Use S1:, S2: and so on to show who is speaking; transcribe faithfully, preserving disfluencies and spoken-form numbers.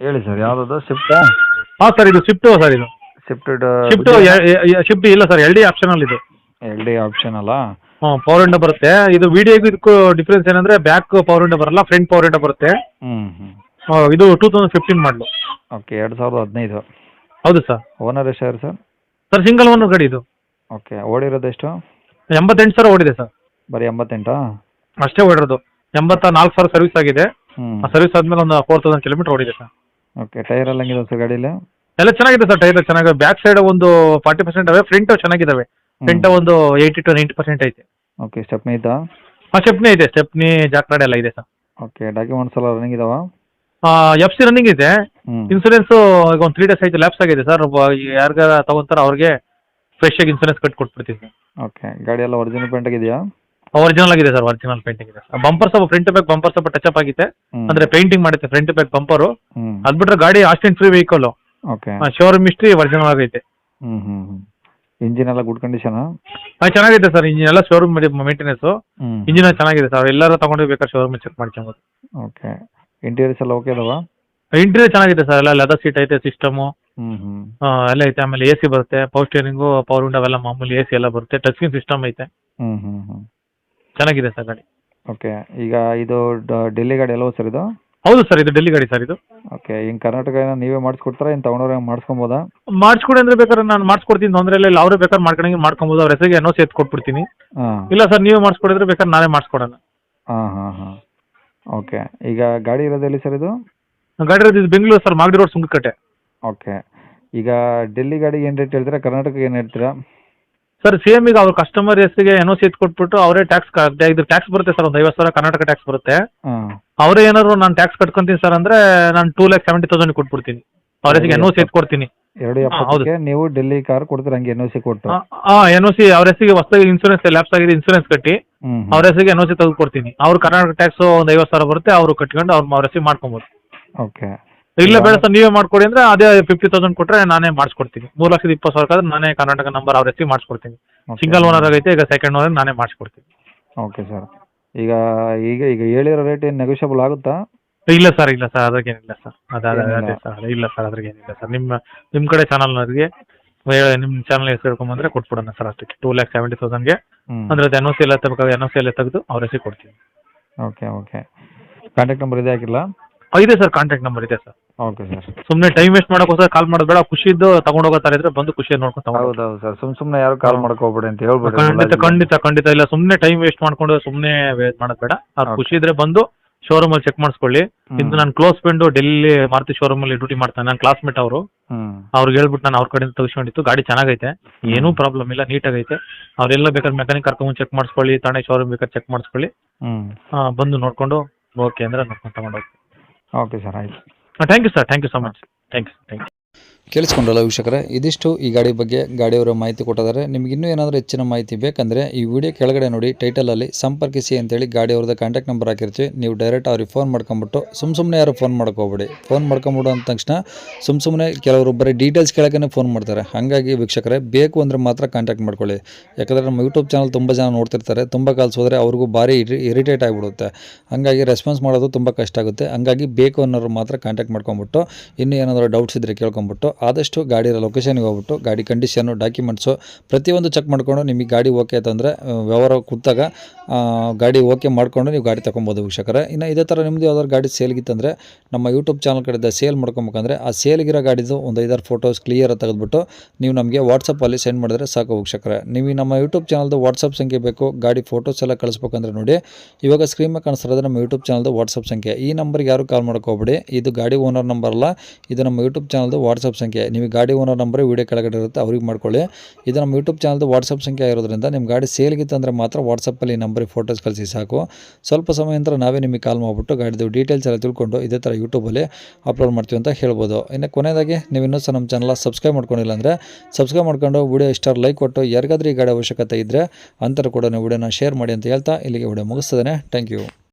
S1: ಹೇಳಿ ಸರ್, ಯಾವುದದು ಸ್ವಿಫ್ಟಾ?
S2: ಹಾಂ ಸರ್, ಇದು ಸ್ವಿಫ್ಟು ಸರ್. ಇದು
S1: ಸ್ವಿಫ್ಟ್
S2: ಸ್ವಿಫ್ಟು ಸ್ವಿಫ್ಟ್ ಇಲ್ಲ ಸರ್, ಎಲ್ ಡಿ ಆಪ್ಷನಲ್ ಇದು.
S1: ಎಲ್ ಡಿ ಆಪ್ಷನ್ ಅಲ್ಲ?
S2: ಹಾಂ, ಪವರ್ ವಿಂಡೋ ಬರುತ್ತೆ. ಇದು ವಿಡಿಯೋಗೂ ಇದಕ್ಕೂ ಡಿಫ್ರೆನ್ಸ್ ಏನಂದ್ರೆ ಬ್ಯಾಕ್ ಪವರ್ ವಿಂಡೋ ಬರಲ್ಲ, ಫ್ರಂಟ್ ಪವರ್ ವಿಂಡೋ ಬರುತ್ತೆ.
S1: ಹ್ಞೂ ಹ್ಞೂ
S2: ಆ, ಇದು ಟೂ ತೌಸಂಡ್ ಫಿಫ್ಟೀನ್ ಮಾಡಲು.
S1: ಓಕೆ, ಎರಡು ಸಾವಿರದ ಹದಿನೈದು.
S2: ಹೌದು ಸರ್.
S1: ಓನರ್ ಎಷ್ಟು ಸರ್?
S2: ಸರ್ ಸಿಂಗಲ್ ಓನರ್ ಗಾಡಿ ಇದು.
S1: ಓಕೆ, ಓಡಿರೋದು ಎಷ್ಟು?
S2: ಎಂಬತ್ತೆಂಟು ಸಾವಿರ ಓಡಿದೆ ಸರ್.
S1: ಬರೀ ಎಂಬತ್ತೆಂಟಾ?
S2: ಅಷ್ಟೇ ಓಡಿರೋದು. ಎಂಬತ್ತ ನಾಲ್ಕು ಸಾವಿರ ಸರ್ವಿಸ್ ಆಗಿದೆ.
S1: ಹ್ಞೂ.
S2: ಆ ಸರ್ವಿಸ್ ಆದಮೇಲೆ ಒಂದು ಫೋರ್ ತೌಸಂಡ್ ಕಿಲೋಮೀಟರ್ ಓಡಿದೆ ಸರ್.
S1: ಓಕೆ, ಟೈರ್ ಎಲ್ಲ ಹೆಂಗಿದೆ ಸರ್ ಗಾಡೀಲಿ?
S2: ಎಲ್ಲ ಚೆನ್ನಾಗಿದೆ ಸರ್, ಟೈರ್ ಚೆನ್ನಾಗಿದೆ. ಬ್ಯಾಕ್ ಸೈಡ್ ಒಂದು ಫಾರ್ಟಿ ಪರ್ಸೆಂಟ್ ಅವೆ, ಫ್ರಂಟ್ ಚೆನ್ನಾಗಿದ್ದಾವೆ. ಫ್ರಂಟ್ ಒಂದು ಏಯ್ಟಿ ಟು ನೈಂಟಿ ಪರ್ಸೆಂಟ್ ಐತೆ.
S1: ಓಕೆ, ಸ್ಟೆಪ್ನಿ ಐತಾ?
S2: ಹಾಂ, ಸ್ಟೆಪ್ನಿ ಇದೆ. ಸ್ಟೆಪ್ನಿ ಜಾಕ್ರಾಡ್ ಎಲ್ಲ ಇದೆ ಸರ್.
S1: ಓಕೆ, ಡಾಕ್ಯುಮೆಂಟ್ಸ್ ಎಲ್ಲ ರನ್ನಿಂಗ್ ಇದಾವಾ?
S2: ಎಫ್ ಸಿ ರನ್ನಿಂಗ್ ಇದೆ.
S1: ಹ್ಞೂ.
S2: ಇನ್ಸೂರೆನ್ಸು ಈಗ ಒಂದು ತ್ರೀ ಡೇಸ್ ಆಯ್ತು, ಲ್ಯಾಪ್ಸ್ ಆಗಿದೆ ಸರ್. ಯಾರಿಗಾರ ತಗೊಂತಾರ ಅವ್ರಿಗೆ ಫ್ರೆಶ್ ಆಗಿ ಇನ್ಸೂರೆನ್ಸ್ ಕಟ್ಟಿ ಕೊಟ್ಬಿಡ್ತೀವಿ ಸರ್.
S1: ಓಕೆ, ಗಾಡಿ ಎಲ್ಲ ಒರಿಜಿನಲ್ ಪೇಂಟ್ ಆಗಿದೆಯಾ?
S2: ಒರಿಜಿನಲ್ ಆಗಿದೆ ಸರ್, ಒರಿಜಿನಲ್ ಪೇಂಟಿಂಗ್ ಇದೆ. ಬಂಪರ್ ಸ್ವಲ್ಪ ಫ್ರಂಟ್ ಬ್ಯಾಕ್ ಬಂಪರ್ ಸ್ವಲ್ಪ ಟಚ್ ಅಪ್ ಆಗಿದೆ.
S1: ಹ್ಞೂ.
S2: ಅಂದ್ರೆ ಪೇಂಟಿಂಗ್ ಮಾಡುತ್ತೆ ಫ್ರಂಟ್ ಬ್ಯಾಕ್ ಬಂಪರು.
S1: ಹ್ಞೂ.
S2: ಅದು ಬಿಟ್ರೆ ಗಾಡಿ accident free vehicle.
S1: Okay.
S2: Showroom history original ಆಗೈತೆ.
S1: ಹ್ಞೂ ಹ್ಞೂ ಹ್ಞೂ ಇಂಜಿನ್ ಎಲ್ಲ ಗುಡ್ ಕಂಡೀಷನಾ?
S2: ಹಾಂ, ಚೆನ್ನಾಗಿದೆ ಸರ್. ಇಂಜಿನ್ ಎಲ್ಲ ಶೋರೂಮ್ ಮೇಂಟೆನೆನ್ಸು.
S1: ಹ್ಞೂ.
S2: ಇಂಜಿನ್ ಚೆನ್ನಾಗಿದೆ ಸರ್. ಎಲ್ಲರೂ ತಗೊಂಡು ಬೇಕಾದ್ರೆ ಶೋರೂಮ್ ಚೆಕ್ ಮಾಡ್ಕೊಬೋದು.
S1: ಓಕೆ, ಇಂಟೀರಿಯರ್ಸ್ ಎಲ್ಲ ಓಕೆ ಅದಾವಾ?
S2: ಇಂಟೀರಿಯರ್ ಚೆನ್ನಾಗಿದೆ ಸರ್. ಎಲ್ಲ ಲೆದರ್ ಸೀಟ್ ಐತೆ, ಸಿಸ್ಟಮು
S1: ಹ್ಞೂ ಹ್ಞೂ
S2: ಎಲ್ಲ ಐತೆ. ಆಮೇಲೆ ಎ ಸಿ ಬರುತ್ತೆ, ಪವರ್ ಸ್ಟೇರಿಂಗು, ಪವರ್ ವಿಂಡೋ ಎಲ್ಲ ಮಾಮೂಲಿ ಎ ಸಿ ಎಲ್ಲ ಬರುತ್ತೆ. ಟಚ್ ಸ್ಕ್ರೀನ್ ಸಿಸ್ಟಮ್ ಐತೆ.
S1: ಹ್ಞೂ ಹ್ಞೂ ಹ್ಞೂ
S2: ಚೆನ್ನಾಗಿದೆ ಸರ್ ಗಾಡಿ.
S1: ಓಕೆ, ಈಗ ಇದು ಡ- ಡೆಲ್ಲಿ ಗಾಡಿ ಅಲ್ವಾ ಸರ್ ಇದು?
S2: ಹೌದು ಸರ್, ಇದು ಡೆಲ್ಲಿ ಗಾಡಿ ಸರ್. ಇದು
S1: ಓಕೆ, ಹಿಂಗೆ ಕರ್ನಾಟಕ ಏನೋ ನೀವೇ ಮಾಡಿಸ್ಕೊಡ್ತಾರಾ, ಏನು ತೊಗೊಂಡವ್ರೆ ಮಾಡಿಸ್ಕೊಬೋದಾ?
S2: ಮಾಡಿಸ್ಕೊಡಿ ಅಂದ್ರೆ ಬೇಕಾದ್ರೆ ನಾನು ಮಾಡಿಸ್ಕೊಡ್ತೀನಿ, ತೊಂದರೆ ಇಲ್ಲ. ಇಲ್ಲ ಅವರೇ ಬೇಕಾದ್ರೆ ಮಾಡ್ಕೊಂಡಂಗೆ ಮಾಡ್ಕೊಬೋದು. ಅವ್ರ ಹೆಸರಿಗೆ ಎನ್ ಓ ಸಿ ಎತ್ತು ಕೊಟ್ಬಿಡ್ತೀನಿ.
S1: ಹಾಂ
S2: ಇಲ್ಲ ಸರ್, ನೀವೇ ಮಾಡಿಸ್ಕೊಡಿದ್ರೆ ಬೇಕಾದ್ರೆ ನಾನೇ ಮಾಡಿಸ್ಕೊಡೋಣ.
S1: ಹಾಂ ಹಾಂ ಹಾಂ ಓಕೆ, ಈಗ ಗಾಡಿ ಇರೋದು ಎಲ್ಲಿ ಸರ್ ಇದು?
S2: ಗಾಡಿ ಇರೋದು ಇದು Bengaluru sir, Magadi road, Sunkakatte.
S1: Okay, ಈಗ ಡೆಲ್ಲಿ ಗಾಡಿಗೆ ಏನು ರೇಟ್ ಹೇಳ್ತೀರಾ, ಕರ್ನಾಟಕಕ್ಕೆ ಏನು ಹೇಳ್ತೀರಾ?
S2: ಸರ್ ಸೇಮ್ ಈಗ ಅವ್ರ ಕಸ್ಟಮರ್ ಹೆಸರಿಗೆ ಎನ್ ಓ ಸಿ ಎತ್ತು ಕೊಟ್ಬಿಟ್ಟು ಅವರೇ ಟ್ಯಾಕ್ಸ್ ಇದು ಟ್ಯಾಕ್ಸ್ ಬರುತ್ತೆ ಸರ್. ಒಂದು ಐವತ್ತು ಸಾವಿರ ಕರ್ನಾಟಕ ಟ್ಯಾಕ್ಸ್ ಬರುತ್ತೆ.
S1: ಹಾಂ.
S2: ಅವರೇ ಏನಾದ್ರು ನಾನು ಟ್ಯಾಕ್ಸ್ ಕಟ್ಕೊಂತೀನಿ ಸರ್ ಅಂದ್ರೆ ನಾನು ಟೂ ಲ್ಯಾಕ್ ಸೆವೆಂಟಿ ತೌಸಂಡ್ ಕೊಟ್ಬಿಡ್ತೀನಿ. ಅವ್ರ ಹೆಸರಿಗೆ ಎನ್ ಓ ಸಿ ಎತ್ತು ಕೊಡ್ತೀನಿ.
S1: ಎರಡು ಎಪ್ಪತ್ತಕ್ಕೆ ನೀವು ಡೆಲ್ಲಿ ಕಾರ್ ಕೊಡ್ತೀರಾ ಹಂಗೆ ಎನ್ ಓ ಸಿ ಕೊಟ್ಟು?
S2: ಹಾಂ, ಎನ್ ಓ ಸಿ ಅವ್ರ ಹೆಸರಿಗೆ ಹೊಸದಾಗಿ ಇನ್ಸೂರೆನ್ಸ್ ಲ್ಯಾಪ್ಸ್ ಆಗಿದೆ, ಇನ್ಸೂರೆನ್ಸ್ ಕಟ್ಟಿ
S1: ಹ್ಞೂ
S2: ಅವ್ರ ಹೆಸರಿಗೆ ಎನ್ ಓ ಸಿ ತೆಗೆದು ಕೊಡ್ತೀನಿ. ಅವ್ರು ಕರ್ನಾಟಕ ಟ್ಯಾಕ್ಸ್ ಒಂದು ಐವತ್ತು ಸಾವಿರ ಬರುತ್ತೆ, ಅವರು ಕಟ್ಕೊಂಡು ಅವ್ರು ಅವ್ರ ಹೆಸರಿಗೆ ಮಾಡ್ಕೊಬೋದು.
S1: ಓಕೆ,
S2: ಇಲ್ಲ ಬೇಡ ಸರ್ ನೀವೇ ಮಾಡ್ಕೊಡಿ ಅಂದ್ರೆ ಅದೇ ಫಿಫ್ಟಿ ತೌಸಂಡ್ ಕೊಟ್ಟರೆ ನಾನೇ ಮಾಡಿಸ್ಕೊಡ್ತೀನಿ. ಮೂರು ಲಕ್ಷದ ಇಪ್ಪತ್ತು ಸಾವಿರ ಆದ್ರೆ ನಾನೇ ಕರ್ನಾಟಕ ನಂಬರ್ ಅವ್ರ ಹೆಸರಿಗೆ ಮಾಡಿಸ್ಕೊಡ್ತೀನಿ. ಸಿಂಗಲ್ ಓನರ್ ಆಗೈತೆ, ಈಗ ಸೆಕೆಂಡ್ ಓನರ್ ನಾನೇ ಮಾಡಿಸ್ಕೊಡ್ತೀನಿ.
S1: ಓಕೆ ಸರ್, ಈಗ ಈಗ ಈಗ ಹೇಳಿರೋ ರೇಟ್ ಏನು ನೆಗೋಷಿಯಬಲ್ ಆಗುತ್ತಾ?
S2: ಇಲ್ಲ ಸರ್, ಇಲ್ಲ ಸರ್, ಅದ್ರಾಗೇನಿಲ್ಲ ಸರ್. ಅದೇ
S1: ಏನಿಲ್ಲ?
S2: ಅದೇ ಸರ್, ಇಲ್ಲ ಸರ್, ಅದ್ರಾಗೇನಿಲ್ಲ ಸರ್. ನಿಮ್ಮ ನಿಮ್ಮ ಕಡೆ ಚಾನಲ್ನವ್ರಿಗೆ ನಿಮ್ಮ ಚಾನಲ್ ಹೆಸರು ಹೇಳ್ಕೊಂಬಂದ್ರೆ ಕೊಟ್ಬಿಡೋಣ ಸರ್. ಅಷ್ಟಕ್ಕೆ ಟೂ ಲ್ಯಾಕ್ ಸೆವೆಂಟಿ ತೌಸಂಡ್ಗೆ
S1: ಹ್ಞೂ
S2: ಅಂದ್ರೆ ಎನ್ ಓ ಸಿ ಎಲ್ಲ ತಗೋಬೇಕು, ಎನ್ ಓ ಸಿ ಎಲ್ಲ ತೆಗೆದು ಅವ್ರ ಹೆಸರಿಗೆ ಕೊಡ್ತೀನಿ.
S1: ಓಕೆ ಓಕೆ ಕಾಂಟ್ಯಾಕ್ಟ್ ನಂಬರ್ ಇದೆ ಹಾಕಿಲ್ಲ?
S2: ಆ, ಇದೆ ಸರ್, ಕಾಂಟ್ಯಾಕ್ಟ್ ನಂಬರ್ ಇದೆ ಸರ್.
S1: Okay sir.
S2: ಸುಮ್ಮನೆ ಟೈಮ್ ವೇಸ್ಟ್ ಮಾಡೋಕ್ಕೋಸ್ಕರ ಕಾಲ್ ಮಾಡೋದು ಬೇಡ. ಖುಷಿದ್ದು ತಗೊಂಡು ಹೋಗೋ ಥರ ಇದ್ರೆ ಬಂದು ಖುಷಿಯಾಗಿ ನೋಡ್ಕೊಂಡು ತಗೊಂಡು
S1: ಹೌದು ಹೌದು ಸರ್, ಸುಮ್ ಸುಮ್ಮನೆ ಯಾರು ಕಾಲ್ ಮಾಡಕ್ ಹೋಗ್ಬೇಡಿ ಅಂತ ಹೇಳ್ಬಿಡಿ.
S2: ಖಂಡಿತ ಖಂಡಿತ ಖಂಡಿತ ಇಲ್ಲ. ಸುಮ್ಮನೆ ಟೈಮ್ ವೇಸ್ಟ್ ಮಾಡ್ಕೊಂಡು ಸುಮ್ಮನೆ ವೇಸ್ಟ್ ಮಾಡೋದು ಬೇಡ. ಅವ್ರು
S1: Okay.
S2: ಖುಷಿ ಇದ್ರೆ ಬಂದು ಶೋರೂಮಲ್ಲಿ ಚೆಕ್ ಮಾಡಿಸ್ಕೊಳ್ಳಿ.
S1: ಹ್ಮ್.
S2: ಇದು ನನ್ನ ಕ್ಲೋಸ್ ಫ್ರೆಂಡು ಡೆಲ್ಲಿ ಮಾರುತಿ ಶೋರೂಮಲ್ಲಿ ಡ್ಯೂಟಿ ಮಾಡ್ತಾನೆ, ನನ್ನ ಕ್ಲಾಸ್ಮೇಟ್ ಅವರು.
S1: ಹ್ಮ್
S2: ಅವ್ರಿಗೆ ಹೇಳ್ಬಿಟ್ಟು ನಾನು ಅವ್ರ ಕಡೆಯಿಂದ ತೆಗೆಸ್ಕೊಂಡಿತ್ತು. ಗಾಡಿ ಚೆನ್ನಾಗೈತೆ, ಏನೂ ಪ್ರಾಬ್ಲಮ್ ಇಲ್ಲ, ನೀಟಾಗೈತೆ. ಅವ್ರೆಲ್ಲ ಬೇಕಾದ್ರೆ ಮೆಕ್ಯಾನಿಕ್ ಕರ್ಕೊಂಡು ಚೆಕ್ ಮಾಡಿಸ್ಕೊಳ್ಳಿ, ತಾನೇ ಶೋರೂಮ್ ಬೇಕಾದ್ರೆ ಚೆಕ್ ಮಾಡಿಸ್ಕೊಳ್ಳಿ.
S1: ಹ್ಮ್
S2: ಆ, ಬಂದು ನೋಡಿಕೊಂಡು ಓಕೆ ಅಂದರೆ ನೋಡ್ಕೊಂಡು ತಗೊಂಡೋಗಿ.
S1: ಓಕೆ ಸರ್, ಆಯ್ತು.
S2: Thank you sir, thank you so much. Thank you thank you
S3: ಕೇಳಿಸ್ಕೊಂಡ್ರಲ್ಲ ವೀಕ್ಷಕರೇ, ಇದಿಷ್ಟು ಈ ಗಾಡಿ ಬಗ್ಗೆ ಗಾಡಿಯವರ ಮಾಹಿತಿ ಕೊಟ್ಟಿದ್ದಾರೆ. ನಿಮ್ಗೆ ಇನ್ನೂ ಏನಾದರೂ ಹೆಚ್ಚಿನ ಮಾಹಿತಿ ಬೇಕಂದರೆ ಈ ವಿಡಿಯೋ ಕೆಳಗಡೆ ನೋಡಿ ಟೈಟಲಲ್ಲಿ ಸಂಪರ್ಕಿಸಿ ಅಂತೇಳಿ ಗಾಡಿಯವ್ರದ್ದು ಕಾಂಟ್ಯಾಕ್ಟ್ ನಂಬರ್ ಹಾಕಿರ್ತೀವಿ. ನೀವು ಡೈರೆಕ್ಟ್ ಅವ್ರಿಗೆ ಫೋನ್ ಮಾಡ್ಕೊಂಬಿಟ್ಟು ಸುಮ್ಮ ಸುಮ್ಮನೆ ಯಾರು ಫೋನ್ ಮಾಡ್ಕೋಬೇಡಿ. ಫೋನ್ ಮಾಡ್ಕೊಂಬಿಡು ಅಂದ ತಕ್ಷಣ ಸುಮ್ಮ ಸುಮ್ಮನೆ ಕೆಲವರು ಬರೀ ಡೀಟೇಲ್ಸ್ ಕೇಳೋಕ್ಕೇ ಫೋನ್ ಮಾಡ್ತಾರೆ. ಹಾಗಾಗಿ ವೀಕ್ಷಕರೇ ಬೇಕು ಅಂದರೆ ಮಾತ್ರ ಕಾಂಟ್ಯಾಕ್ಟ್ ಮಾಡ್ಕೊಳ್ಳಿ. ಯಾಕಂದರೆ ನಮ್ಮ ಯೂಟ್ಯೂಬ್ ಚಾನಲ್ ತುಂಬ ಜನ ನೋಡ್ತಿರ್ತಾರೆ, ತುಂಬ ಕಾಲ್ಸ್ ಹೋದರೆ ಅವ್ರಿಗೂ ಭಾರಿ ಇರಿಟೇಟ್ ಆಗಿಬಿಡುತ್ತೆ. ಹಾಗಾಗಿ ರೆಸ್ಪಾನ್ಸ್ ಮಾಡೋದು ತುಂಬ ಕಷ್ಟ ಆಗುತ್ತೆ. ಹಾಗಾಗಿ ಬೇಕು ಅನ್ನೋರು ಮಾತ್ರ ಕಾಂಟ್ಯಾಕ್ಟ್ ಮಾಡ್ಕೊಂಬಿಟ್ಟು ಇನ್ನೂ ಏನಾದರೂ ಡೌಟ್ಸ್ ಇದ್ದರೆ ಕೇಳ್ಕೊಂಬಿಟ್ಟು ಆದಷ್ಟು ಗಾಡಿಯ ಲೊಕೇಶನ್ಗೆ ಹೋಗ್ಬಿಟ್ಟು ಗಾಡಿ ಕಂಡೀಷನ್ನು ಡಾಕ್ಯುಮೆಂಟ್ಸು ಪ್ರತಿಯೊಂದು ಚೆಕ್ ಮಾಡಿಕೊಂಡು ನಿಮಗೆ ಗಾಡಿ ಓಕೆ ಆಯ್ತು ಅಂದರೆ ವ್ಯವಹಾರ ಕೂತಾಗ ಗಾಡಿ ಓಕೆ ಮಾಡಿಕೊಂಡು ನೀವು ಗಾಡಿ ತೊಗೊಬೋದು ವೀಕ್ಷಕರೇ. ಇನ್ನು ಇದೇ ಥರ ನಿಮ್ಮದು ಯಾವ್ದಾದ್ರು ಗಾಡಿ ಸೇಲ್ಗಿತ್ತಂದರೆ ನಮ್ಮ ಯೂಟ್ಯೂಬ್ ಚಾನಲ್ ಕಡೆಯಿಂದ ಸೇಲ್ ಮಾಡ್ಕೊಬೇಕಂದ್ರೆ ಆ ಸೇಲ್ಗಿರೋ ಗಾಡಿದು ಒಂದು ಐದಾರು ಫೋಟೋಸ್ ಕ್ಲಿಯರಾಗಿ ತೆಗೆದುಬಿಟ್ಟು ನೀವು ನಮಗೆ ವಾಟ್ಸಪ್ಪಲ್ಲಿ ಸೆಂಡ್ ಮಾಡಿದ್ರೆ ಸಾಕು ವೀಕ್ಷಕರೇ. ನೀವು ನಮ್ಮ ಯೂಟ್ಯೂಬ್ ಚಾನಲ್ದು ವಾಟ್ಸಪ್ ಸಂಖ್ಯೆ ಬೇಕು, ಗಾಡಿ ಫೋಟೋಸ್ ಎಲ್ಲ ಕಳಿಸ್ಬೇಕಂದ್ರೆ ನೋಡಿ ಇವಾಗ ಸ್ಕ್ರೀನ್ ಮೇಲೆ ಕಾಣಿಸ್ತಿರೋದು ನಮ್ಮ ಯೂಟ್ಯೂಬ್ ಚಾನಲ್ದು ವಾಟ್ಸಪ್ ಸಂಖ್ಯೆ. ಈ ನಂಬರ್ಗೆ ಯಾರು ಕಾಲ್ ಮಾಡ್ಕೋಬೇಡಿ, ಇದು ಗಾಡಿ ಓನರ್ ನಂಬರ್ ಅಲ್ಲ, ಇದು ನಮ್ಮ ಯೂಟ್ಯೂಬ್ ಚಾನಲ್ದು ವಾಟ್ಸಪ್ ಸಂಖ್ಯೆ. ನಿಮಗೆ ಗಾಡಿ ಓನರ್ ನಂಬರ್ ವೀಡಿಯೋ ಕೆಳಗಡೆ ಇರುತ್ತೆ, ಅವ್ರಿಗೆ ಮಾಡ್ಕೊಳ್ಳಿ. ಇದು ನಮ್ಮ ಯೂಟ್ಯೂಬ್ ಚಾನಲ್ದು ವಾಟ್ಸಪ್ ಸಂಖ್ಯೆ ಆಗಿರೋದ್ರಿಂದ ನಿಮ್ಮ ಗಾಡಿ ಸೇಲ್ಗಿತ್ತಂದರೆ ಮಾತ್ರ ವಾಟ್ಸಪ್ಪಲ್ಲಿ ಈ ನಂಬರಿಗೆ ಫೋಟೋಸ್ ಕಳಿಸಿ ಸಾಕು. ಸ್ವಲ್ಪ ಸಮಯ ನಂತರ ನಾವೇ ನಿಮಗೆ ಕಾಲ್ ಮಾಡಿಬಿಟ್ಟು ಗಾಡಿದು ಡೀಟೇಲ್ಸ್ ಎಲ್ಲ ತಿಳ್ಕೊಂಡು ಇದೇ ಥರ ಯೂಟ್ಯೂಬಲ್ಲಿ ಅಪ್ಲೋಡ್ ಮಾಡ್ತೀವಿ ಅಂತ ಹೇಳ್ಬೋದು. ಇನ್ನು ಕೊನೆಯದಾಗಿ ನೀವು ಇನ್ನೂ ಸಹ ನಮ್ಮ ಚಾನಲ್ ಸಬ್ಸ್ಕ್ರೈಬ್ ಮಾಡ್ಕೊಂಡಿಲ್ಲ ಅಂದರೆ ಸಬ್ಸ್ಕ್ರೈಬ್ ಮಾಡ್ಕೊಂಡು ವಿಡಿಯೋ ಇಷ್ಟ ಲೈಕ್ ಕೊಟ್ಟು ಯಾರಿಗಾದ್ರೂ ಈ ಗಾಡಿ ಅವಶ್ಯಕತೆ ಇದ್ದರೆ ಅಂತರ ಕೂಡ ನೀವು ವಿಡಿಯೋನ ಶೇರ್ ಮಾಡಿ ಅಂತ ಹೇಳ್ತಾ ಇಲ್ಲಿಗೆ ವಿಡಿಯೋ ಮುಗಿಸ್ತದೆ. Thank you.